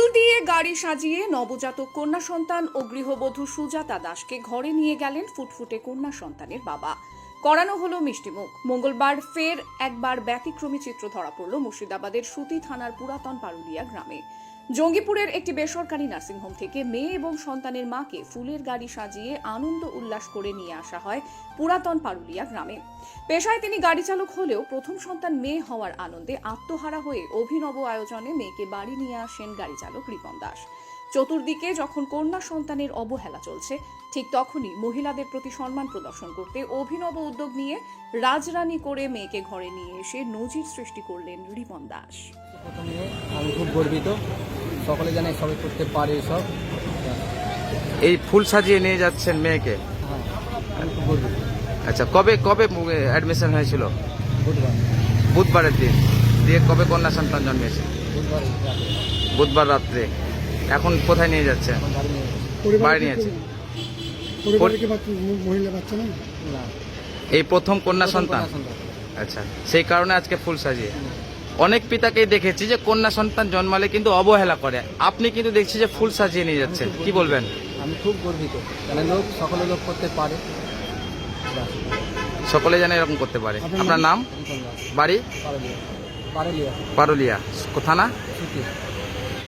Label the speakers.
Speaker 1: দিয়ে গাড়ি সাজিয়ে নবজাতক কন্যা সন্তান ও গৃহবধূ সুজাতা দাসকে ঘরে নিয়ে গেলেন ফুটফুটে কন্যা সন্তানের বাবা। করানো হলো মিষ্টিমুখ। মঙ্গলবার ফের একবার ব্যতিক্রমী চিত্র ধরা পড়ল মুর্শিদাবাদের সুতি থানার পুরাতন পারুলিয়া গ্রামে। জঙ্গিপুরের একটি বেসরকারি নার্সিংহোম থেকে মেয়ে এবং সন্তানের মাকে ফুলের গাড়ি সাজিয়ে আনন্দ উল্লাস করে নিয়ে আসা হয় পুরাতন পারুলিয়া গ্রামে। পেশায় তিনি গাড়ি চালক হলেও প্রথম সন্তান মেয়ে হওয়ার আনন্দে আত্মহারা হয়ে অভিনব আয়োজনে মেয়েকে বাড়ি নিয়ে আসেন গাড়ি চালক রিপন দাস। চতুর্দিকে যখন কন্যা সন্তানের অবহেলা চলছে, ঠিক তখনই মহিলাদের প্রতি সম্মান প্রদর্শন করতে অভিনব উদ্যোগ নিয়ে রাজরানী করে মেয়েকে ঘরে নিয়ে এসে নজির সৃষ্টি করলেন রিপন দাস।
Speaker 2: প্রথমে আমি খুব গর্বিত, সকলে জানে সবাই করতে পারে সব।
Speaker 3: এই ফুল সাজিয়ে নিয়ে যাচ্ছেন মেয়েকে।
Speaker 2: হ্যাঁ, আমি খুব গর্বিত।
Speaker 3: আচ্ছা, কবে কবে অ্যাডমিশন হয়েছিল?
Speaker 2: বুধবার।
Speaker 3: বুধবারের দিন। দিয়ে কবে কন্যা সন্তান জন্মেছে?
Speaker 2: বুধবার রাতে।
Speaker 3: বুধবার রাত্রে। এখন কোথায় নিয়ে যাচ্ছে?
Speaker 2: এখন বাড়ি নিয়ে গেছি।
Speaker 3: বাড়ি নিয়েছে।
Speaker 2: মহিলা বাচ্চা না,
Speaker 3: এই প্রথম কন্যা সন্তান।
Speaker 2: কন্যা সন্তান।
Speaker 3: আচ্ছা, সেই কারণে আজকে ফুল সাজিয়ে। অনেক পিতাকেই দেখেছি যে কন্যা সন্তান জন্মালে কিন্তু অবহেলা করে, আপনি কিন্তু দেখছি যে ফুল সাজিয়ে নিয়ে যাচ্ছেন, কি বলবেন?
Speaker 2: আমি খুব গর্বিত, মানে সকলে লোক করতে পারে,
Speaker 3: সকলে জানে এরকম করতে পারে। আপনার নাম? বাড়ি?
Speaker 2: পারুলিয়া।
Speaker 3: পারুলিয়া থানা?
Speaker 2: সুতি।